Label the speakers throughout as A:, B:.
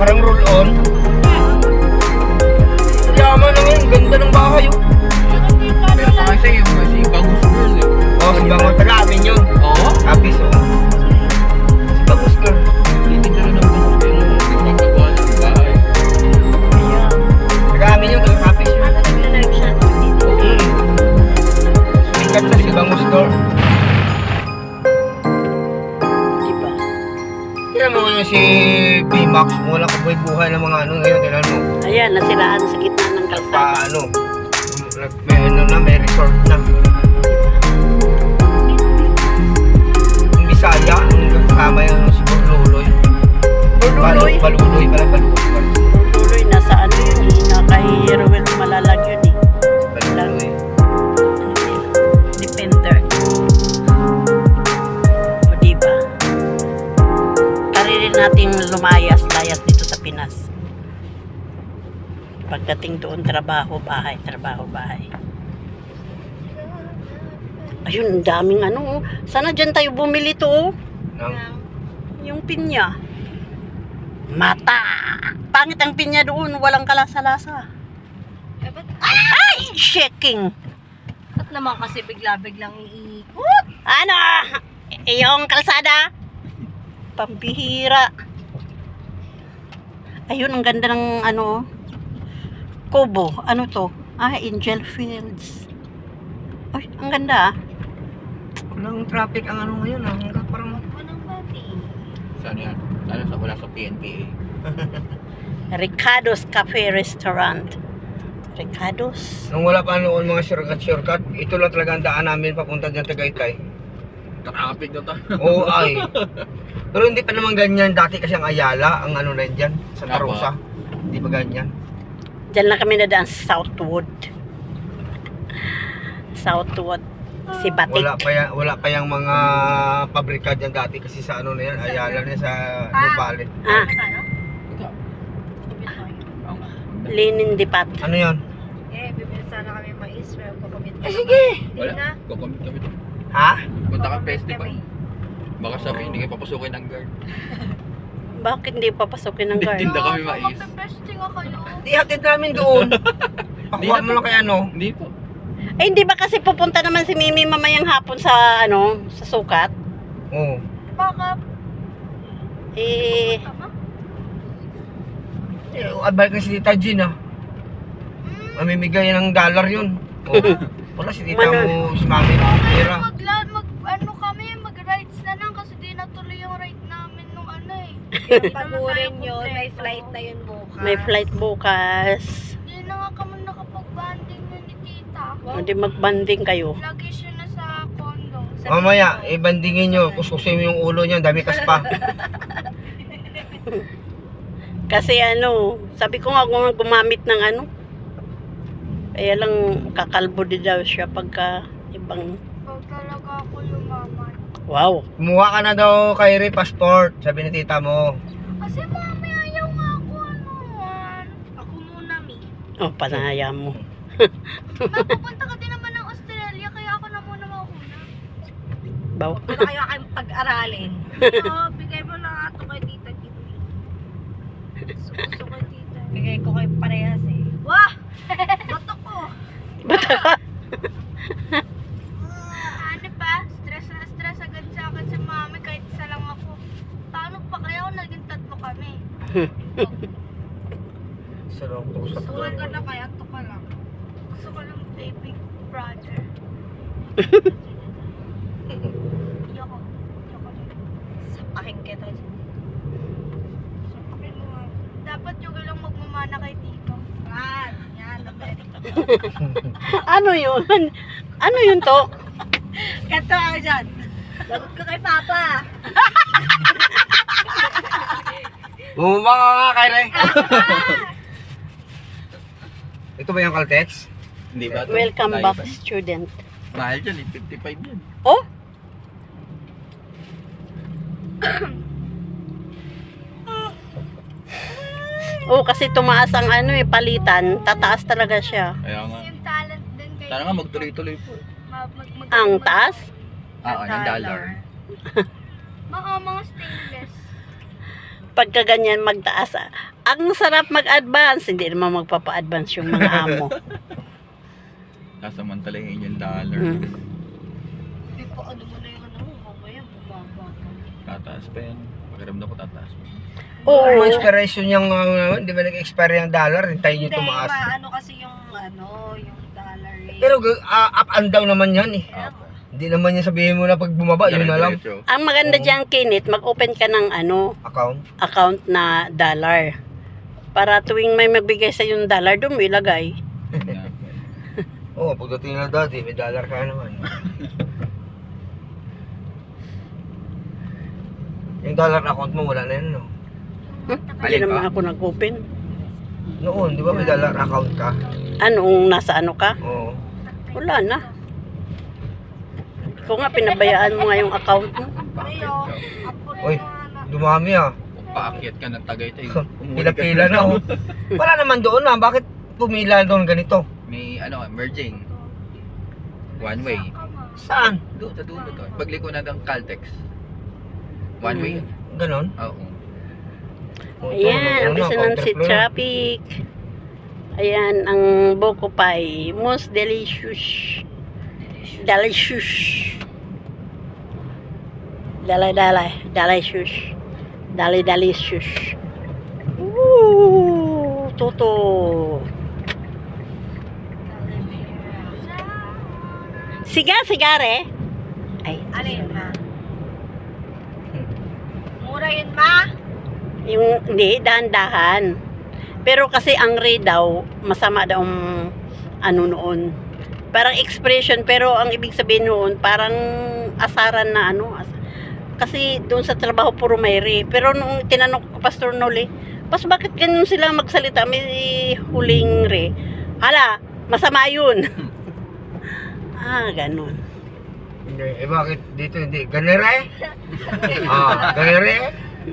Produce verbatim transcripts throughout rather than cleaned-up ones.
A: Parang roll-on. Yaman na ngayon, ganda ng bahay oh.
B: Pero pa kasi yung si Bagus Girl eh.
A: Oh, si Bangon, taga-amin yun.
B: Oo?
A: Kapis oh. Si Bagus Girl.
B: Hindi na rin ang Bagus Girl. Nagpapagawa ng bahay.
A: Taga-amin yun, taga-kapis yun.
C: Ano nagla-live siya?
A: Mm. Sumikat sa si Bangus Girl.
C: Diba?
A: Kaya mo ngayon si B-Max, wala ka buhay ng mga ano ngayon, kailan mo?
C: Ayan, nasilaan sa gitna ng kalsada.
A: Paano? May ano na, may resort na. Yung Bisaya, yung kasama yung si Burluloy.
C: Burluloy?
A: Balu- Baluloy pala, Baluloy.
C: Tuloy, nasa ano yun eh, na kay Ruel Malalag yun eh.
A: Baluloy.
C: Defender. O diba? Karili natin lumayas-layas dito sa Pinas. Pagdating doon, trabaho, bahay, trabaho, bahay. Ayun, ang daming ano. Oh. Sana dyan tayo bumili to. Oh.
A: Nang,
C: Yung pinya. Mata! Pangit ang pinya doon, walang kalasa-lasa.
D: Eh, ba't,
C: Ay! Shaking!
D: ba't naman kasi bigla-biglang iikot?
C: Ano? Yung kalsada? Pambihira. Ayun, ang ganda ng ano. Kobo. Ano to? Ah, Angel Fields. Ay, ang ganda ah.
A: walang traffic ang ano ngayon, ah. Hanggang parang...
D: Anong pati?
B: Saan yan? Sana sa wala sa P N P A.
C: Ricardo's Cafe Restaurant. Ricardo's.
A: Nung wala pa noon mga shortcut-shortcut, ito lang talaga ang daan namin papunta dyan Tagaytay.
B: Traffic na tayo.
A: Oo, ay. Pero hindi pa naman ganyan. Dati kasi ang Ayala, ang ano na dyan, Santa
B: Apa.
A: Rosa. Hindi pa ganyan.
C: Diyan lang kami nadaan sa Southwood. Southwood. Si Batik.
A: Wala pa yan, wala pa yung mga pabrika dyan dati kasi sa ano na yan, Ayala na sa Nubali.
C: Ah,
D: Ano tayo?
B: Ito.
D: Bibili tayo.
B: Ang
C: Linin Dipat.
A: Ano yan?
D: Eh, bibili sana kami mais. Pero kukumit
A: Eh, sige.
D: Hindi
B: Wala.
D: na.
B: Kukumit kami.
A: Ha?
B: Punta ka
D: Kukumit
B: festival.
D: kami.
B: Baka sabihin hindi kayo papasukin ng guard.
C: Bakit hindi papasukin ng guard?
B: Tinda kami mais.
D: Magpe-pesting nga kayo.
A: Di hatid namin doon. Pakuha mo lang kay ano.
B: Hindi po.
C: Eh, hindi ba kasi pupunta naman si Mimi mamayang hapon sa, ano, sa sukat?
A: Oo.
D: Baka,
C: Eh,
D: tama?
A: Eh, advice na si Tita Jean ah. Mamimigay ng dollar yun. Oo. Wala si Tita mo, si Mami. Pera.
D: Magla, mag, ano kami, mag-rides na lang kasi di natuloy yung ride namin nung ano eh.
E: Pagurin yun, may flight na yun bukas.
C: may flight bukas.
D: Hindi na nga kami nakapag-banding yun ni tita.
C: Hindi magbanding kayo.
D: Lagi siya na sa condo. Sa
A: Mamaya, ibandingin nyo. Kuskusin mo yung ulo niya. Dami kaspa.
C: Kasi ano, sabi ko nga kung gumamit ng ano. Kaya lang kakalbo din daw siya pagka ibang...
D: Pag talaga ako yumaman.
C: Wow.
A: Kumuha ka na daw kay Ray passport. Sabi ni Tita mo.
D: Kasi mami, ayaw nga ako ano. Ako muna, mi.
C: Oh, panaya mo.
D: Mapupunta ka din naman ng Australia, kaya ako na muna mauna.
C: Baw.
E: Wala kayo kayong pag-aralin.
D: Oo, bigay mo lang ato kay tita Kitty. Suso kay tita.
E: Bigay ko kayo parehas eh.
D: Wah! Bato ko! Ano pa? Stress na stress agad sa akin si mami kahit isa lang ako. Paano pa kaya ako naging tatlo kami?
A: Sarap ko sa
D: Suwan ka na kaya to ka lang. Gusto ko lang baby brother. Iyoko. Iyoko din.
E: Sapakin kita.
D: Sabihin mo nga. Dapat yung lang magmamana kay Tito.
E: Yan, yan.
C: Ano yun? Ano yun to?
E: Kanto ako dyan. Lagot ko kay Papa.
A: Bumaba ka nga kay Ray. Ito ba yung Caltex?
B: Hindi ba? ito?
C: Welcome
B: Layo
C: back,
B: pa.
C: student.
B: Mahal dyan eh. fifty-five yan.
C: Oh? Oh, kasi tumaas ang ano eh, palitan. Tataas talaga siya.
B: Kaya nga.
D: Yung talent din kay
B: Sana nga magtuloy-tuloy po.
D: mag, mag, mag,
C: Ang taas?
B: Ah, ng dollar.
D: Mga mga stainless.
C: Pagka ganyan magtaas, ah, Ang sarap mag-advance, hindi naman magpapa-advance yung mga amo.
B: Sasamantalahin yung dollar.
C: Mm.
E: Hindi pa ano mo na yung ano mo, mamaya bumaba ka.
B: Tataas pa yan. Pakiramdam ko tataas pa.
C: Oo.
A: Ang expiration yung, uh, di ba nag-expire yung dollar, hintayin nyo
E: Hindi,
A: tumaas.
E: maano kasi yung ano, yung dollar rate.
A: Pero uh, up and down naman yan eh.
B: Apo.
A: Hindi naman yan sabihin mo na pag bumaba, yun na lang.
B: Diretso.
C: Ang maganda dyan, Kinit, mag-open ka ng ano,
A: Account.
C: account na dollar. Para tuwing may magbigay sa yung dollar, doon mo ilagay.
A: Oo, oh, pagdating na dati, may dollar ka naman. Yung dollar account mo, wala na yan, no?
C: Hmm? Hindi
B: Alin
C: naman
B: pa?
C: ako nag-open.
A: Noon, di ba may dollar account ka?
C: Anong nasa ano ka?
A: Oo.
C: Wala na. Ikaw nga, pinabayaan mo nga yung account mo.
B: Paakyat
A: Uy, dumami ah.
B: ka. Paakyat ka ng Tagaytay.
A: Pila-pila na oh. Wala naman doon ah. Bakit pumila doon ganito?
B: May ano, merging. One way.
A: Saan?
B: Doon, sa dulo to. Pagliko na ng Caltex. One way.
A: Ganon?
B: Oo.
A: Oh,
C: Ayan, ang bisa ng si traffic. Ayan, ang Boko Pie. Most delicious. Delicious. Dalay, dalay. Delicious. Dalay, delicious. Woo! Toto. Siga, sigare. Ay,
E: Ano yun, ma? Mura yun, ma?
C: yung, hindi, dahan-dahan. Pero kasi ang rate daw, masama daw ang ano noon. Parang expression, pero ang ibig sabihin noon, parang asaran na ano. As, kasi doon sa trabaho puro may re. Pero nung tinanong ko Pastor Noli, pas bakit ganun sila magsalita? May huling re. Hala, masama yun. ah, ganun.
A: Hindi, eh bakit dito hindi? Ganere? Ah, ganere?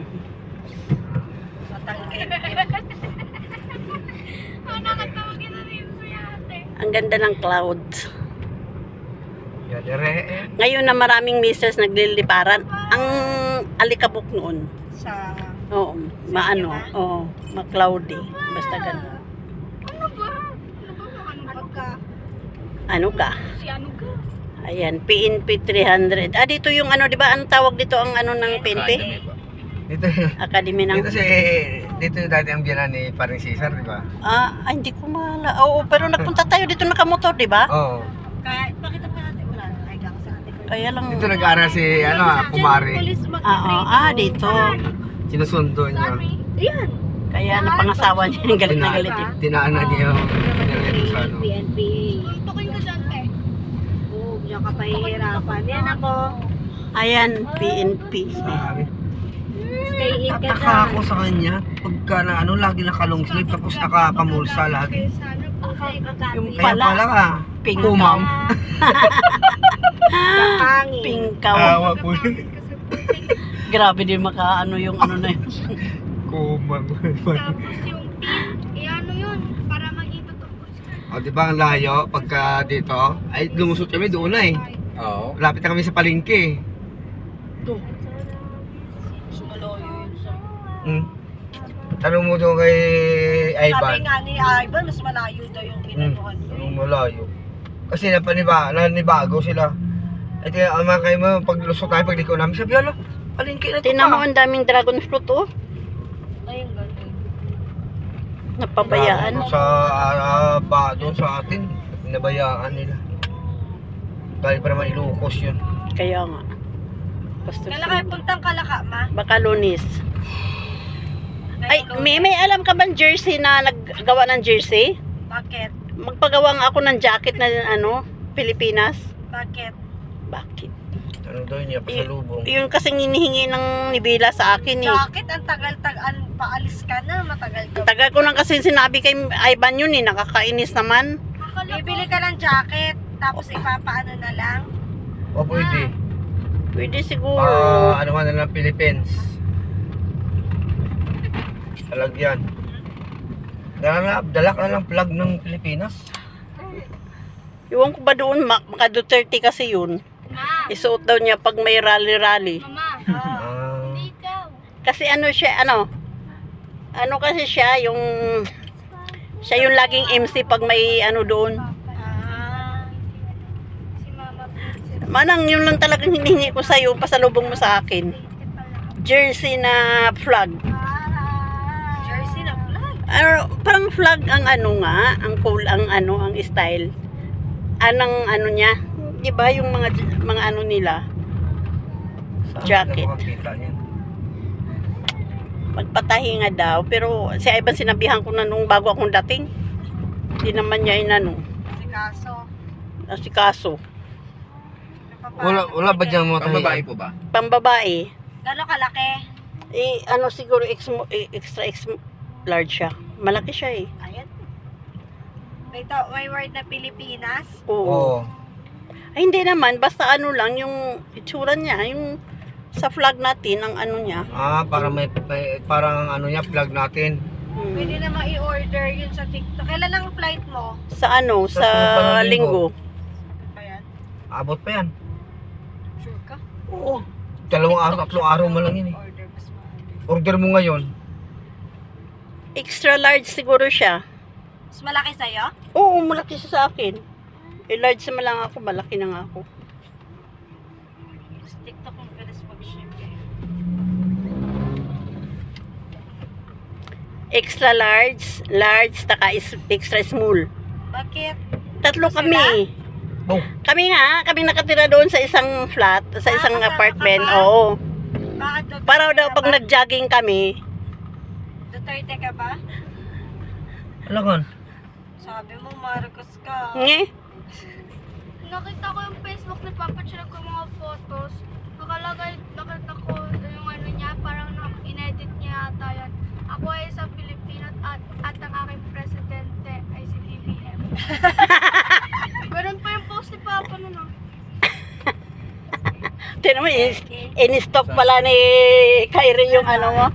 D: Oh, nakatawagin na rin si ate.
C: Ang ganda ng clouds.
A: Ganere eh.
C: Ngayon na maraming mistress nagliliparan, ang alikabok noon.
E: Sa...
C: Oo, maano, oo, ma-cloudy. Basta ganun.
D: Ano ba? Ano ba? Ano ba?
E: Ano ka?
C: Ano ka?
D: Si ano ka?
C: Ayan, P N P three hundred. Ah, dito yung ano, di ba? Anong tawag dito ang ano ng P N P?
B: Academy pa.
A: Dito,
C: Academy ng...
A: dito si, dito yung dati ang biyanan ni Paring Cesar, di ba?
C: Ah, ay, hindi ko mahala. Oo, pero nagpunta tayo dito nakamotor, di ba?
A: Oo.
E: Kaya, bakit ang natin wala na? Kaya ka sa ate ko.
C: Kaya lang...
A: Dito nag-aaral si, ano ah, Kumari.
C: Ah, oo, ah, dito.
A: Sinusundo niya.
E: Ayan.
C: Kaya napangasawa niya yung galit na galit. eh.
A: Tinaanan niya yung nireto sa ano.
E: P N P.
D: Tukoy ko dyan, te.
E: Oo, diyan ka pahihirapan. Yan ako.
C: Ayan, P N P.
A: Sabi.
E: Stay in ka
A: Tataka
E: dyan.
A: ako sa kanya. Pagka na ano, lagi naka-long sleeve tapos nakapamulsa lagi.
D: Sana po.
C: Yung
A: Kaya
C: pala,
A: pala ka.
C: pink
A: Kumam.
E: Kapangin.
C: Pinkaw.
A: Awa po.
C: Grabe din makaano yung ano na yun.
A: Kumam.
D: Tapos yung pin, eh ano yun? Para maging totoo.
A: O, di ba ang layo pagka dito? Ay, lumusot kami doon na eh.
B: Oo.
A: Lapit na kami sa palengke.
E: Sumaloyo yun sa...
A: Hmm. Tanong mo doon kay
E: Sabi
A: Ivan.
E: nga ni Ivan, mas malayo daw yung
A: Hmm.
E: pinanuhan niyo.
A: Anong malayo? Kasi napaniba, nanibago sila. At yung mga kayo mo, pag lusot tayo, pag liko namin, sabi, alo, palengke na ito
C: Tinan mo
A: pa.
C: ang daming dragon fruit, oh.
E: Ayun, ganun.
C: Napabayaan.
A: Doon sa, ah, ba, doon sa atin, pinabayaan nila. Dahil pa naman ilukos yun.
C: Kaya nga. Basta
E: Kailan kayo puntang Kalaka, ma?
C: baka lunis. Ay,
E: Ngayon,
C: may, may alam ka bang jersey na naggawa ng jersey?
E: Bakit?
C: Magpagawa nga ako ng jacket na ano, Pilipinas.
E: Bakit?
C: Bakit?
A: Ano daw niya, pasalubong.
C: Yun kasing hinihingi ng nibila sa akin eh.
E: Bakit? Ang tagal-tagal, paalis ka na, matagal ka.
C: Tagal ko lang kasi sinabi kay Ivan yun eh, nakakainis naman.
E: Bibili ka ng jacket, tapos ipapaano na lang.
A: O pwede.
C: Pwede siguro.
A: Ah, ano ka na lang, Philippines. Talagyan. Dala, dala ka na lang plug ng Pilipinas.
C: Iwan ko ba doon, mak- maka Duterte kasi yun.
D: Ma,
C: Isuot daw niya pag may rally-rally.
D: mama,
A: Ah,
D: hindi ikaw.
C: Kasi ano siya, ano, Ano kasi siya, yung siya yung laging M C pag may ano doon.
E: Ah.
D: Si Mama Princess.
C: Manang yun lang talagang hinihingi ko sa'yo, pasalubong mo sa akin. Jersey na flag.
E: Jersey na flag.
C: Ano, parang flag ang ano nga, ang cool, ang ano, ang style. Anong ano niya, di ba yung mga mga ano nila,
A: Saan
C: Jacket.
A: ka makakita niyan?
C: magpatahinga daw. Pero si Ivan sinabihan ko na nung bago akong dating. Hindi naman niya inano,
E: Si Kaso.
C: asikaso.
A: Wala, wala ba dyan mga
B: Pang babae
A: tahiyan?
B: po ba?
C: Pambabae,
E: Gano'ng kalaki?
C: eh ano siguro ex, eh, extra ex large siya. Malaki siya eh.
E: Ayan. May, to, may word na Pilipinas.
C: Oo.
A: Oo.
C: Ay hindi naman, basta ano lang yung itsura niya, yung sa flag natin, ang ano niya.
A: Ah, para may, may parang ano niya, flag natin.
C: Hmm.
E: Pwede na ma-i-order yun sa TikTok. Kailan ang flight mo?
C: Sa ano,
A: Sa
C: sa,
A: sunod pa ng linggo.
C: linggo.
E: Ayan.
A: Abot pa yan.
E: Sure ka?
A: Oo. Dalawang araw, tatlong araw mo lang yun eh.
E: Order mas maaari.
A: Order mo ngayon.
C: Extra large siguro siya.
E: Mas malaki sa'yo?
C: Oo, malaki siya sa akin. Eh, large naman lang ako, malaki na nga ako.
E: Sa TikTok ang bilis mag-ship eh.
C: Extra large, large, taka is extra small.
E: Bakit?
C: Tatlo
E: Sila?
C: kami.
A: Oh,
C: Kami nga, kami nakatira doon sa isang flat, sa
E: Ah,
C: isang
E: kasama
C: apartment.
E: ka ba?
C: Oo.
E: Bakit Duterte
C: Para daw
E: ka
C: pag
E: ba?
C: nag-jogging kami,
E: Duterte ka ba?
A: alakan.
E: Sabi mo Marcos ka.
C: nge,
D: Nakita ko yung Facebook ni Papa Chinag ko mga photos. Nakalagay, nakita ko yung ano niya, parang na, inedit niya ata yan. Ako ay isang Pilipino at, at ang aking presidente ay si B B M. Ganun pa yung post ni Papa nun ah.
C: tinan mo, in- in-stock pala ni Kyrie yung ano mo.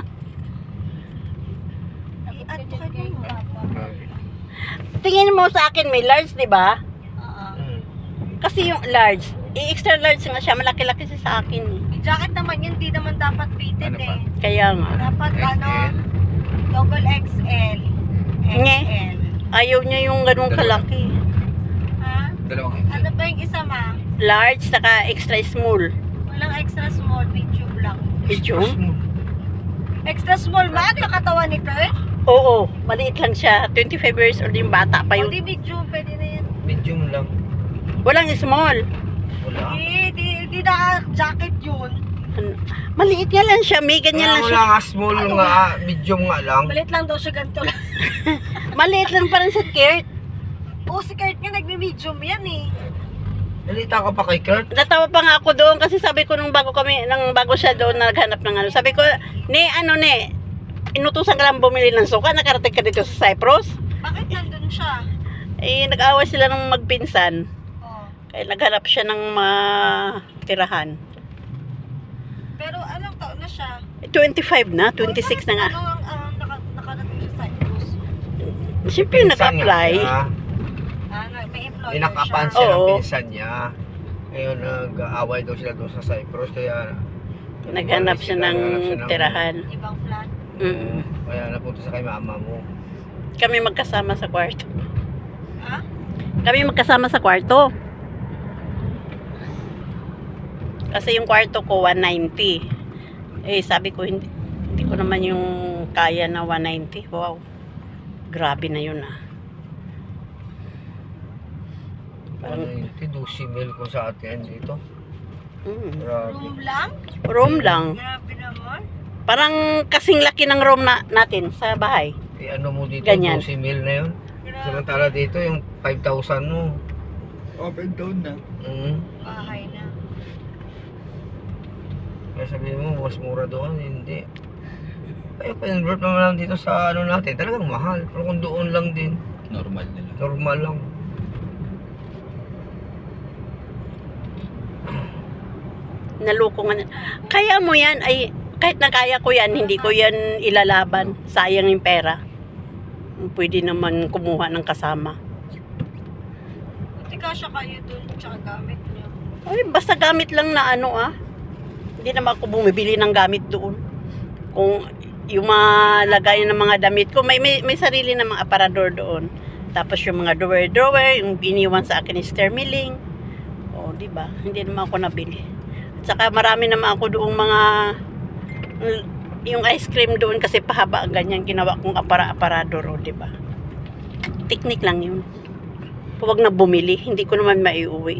E: I-add ko kayo mo.
C: Tingin mo sa akin, may large, di ba?
E: Oo.
A: Hmm.
C: Kasi yung large, i-extra large nga siya, malaki-laki siya sa akin. eh.
E: Yung jacket naman yun, di naman dapat fitted
B: Ano pa?
E: eh.
C: Kaya nga.
E: Dapat ano,
B: X L.
E: double X L.
C: Nge.
E: X L.
C: Ayaw niya yung ganung
B: Dalawa.
C: kalaki.
E: Ha?
B: Dalawang X L.
E: Ano ba yung isa ma?
C: Large, saka extra small.
E: Walang extra small, medium lang.
C: Medium?
E: Extra small ma? Ano yung katawan ni Kurt?
C: Oo, maliit lang siya. twenty-five years old yung bata pa
E: O
C: yun.
E: di medium, pwede na yan.
A: Medium lang.
C: Walang small.
A: Wala.
E: Di, di, di naka-jacket yun.
C: Ano, maliit nga lang siya, may ganyan lang
A: Kaya
C: siya.
A: wala nga, small nga, ah, medium nga lang.
E: Malit lang daw siya ganito lang.
C: Maliit lang pa rin sa skirt.
E: Oo, si Kurt nga nagme-medium yan eh.
A: Nalita ka pa kay Kurt.
C: Natawa pa nga ako doon kasi sabi ko nung bago kami, nang bago siya doon naghanap ng ano. Sabi ko, ni ano ni, inutusan ka lang bumili ng suka, nakarating ka dito sa Cyprus.
E: Bakit nandun siya?
C: Eh, nag-away sila ng magpinsan.
E: Oh.
C: Kaya naghanap siya ng matirahan.
E: Pero anong taon na siya?
C: twenty-five na, twenty-six na nga.
E: Ano ang ang naka, nakarating siya sa Cyprus?
C: Siyempre
A: Pinsan
C: nag-apply.
A: nga siya.
E: Ah, na- may employer
A: Inakapan
E: siya.
A: siya ng
C: Oo.
A: pinsan niya. Ngayon, nag-aaway daw sila doon sa Cyprus. Kaya,
C: Naghanap siya ng
A: naghanap siya ng-
C: tirahan.
E: Ibang flat.
C: Mm.
A: Kaya napunta sa kay mama mo.
C: Kami magkasama sa kwarto.
E: Ha?
C: Kami magkasama sa kwarto. Kasi yung kwarto ko one ninety. Eh sabi ko hindi, hindi ko naman yung kaya na one ninety. Wow. Grabe na yun ah.
A: Ano yun? Tidusi mil ko sa atin dito.
C: Mm.
A: Grabe.
E: Room lang?
C: Room lang.
E: Grabe naman.
C: Parang kasing laki ng room na, natin sa bahay.
A: Eh, ano mo dito?
C: Ganyan.
A: Dusi mil na yun.
E: Grabe.
A: Samantala dito yung five thousand mo.
B: Up and down na.
A: Mm.
E: Bahay na.
A: Kaya sabihin mo, mas mura doon. Hindi. Kaya convert naman lang dito sa ano natin. Talagang mahal. Pero kung doon lang din,
B: Normal nila.
A: normal lang.
C: Naloko nga. na- Kaya mo yan ay kahit na kaya ko yan, hindi ko yan ilalaban. Sayang yung pera. Pwede naman kumuha ng kasama.
E: Buti kasya kayo dun, tsaka gamit niyo.
C: Ay, basta gamit lang na ano ah. Hindi naman ako bumibili ng gamit doon. Kung yung mga lagayan ng mga damit ko, may, may, may sarili na mga aparador doon. Tapos yung mga drawer-drawer, yung iniwan sa akin ni Stermiling. O, di ba? Hindi naman ako nabili. At saka marami naman ako doong mga, yung ice cream doon kasi pahaba ang ganyan ginawa kong apara-aparador, o, di ba? Technique lang yun. Huwag na bumili, hindi ko naman maiuwi.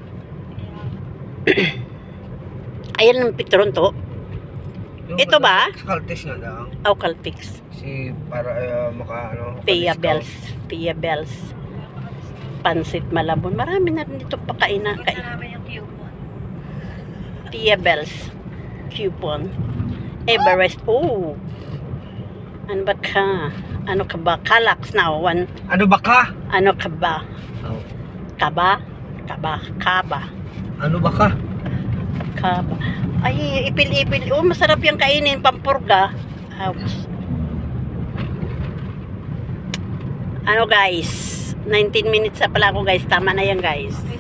C: Ayan ang picturon to.
A: Yung
C: Ito ba?
A: Sa Caltex nga daw.
C: Eucalyptus.
A: Si para uh, maka ano.
C: Pia
A: maka-discount.
C: Bells. Pia Bells. Pansit Malabon. Marami na rin dito pakaina. Kain.
E: namin yung coupon.
C: Pia Bells. Coupon. Everest. Oh. Ano ba ka? Ano ka ba? Calax now. One.
A: Ano ba ka?
C: Ano ka ba?
A: Oh.
C: Kaba? Kaba? Kaba?
A: Ano ba ka?
C: Kaba. Ay, ipil-ipil. Oh, masarap yung kainin. Pampurga. Ouch. Ano guys? nineteen minutes na pala ako guys. Tama na yan guys.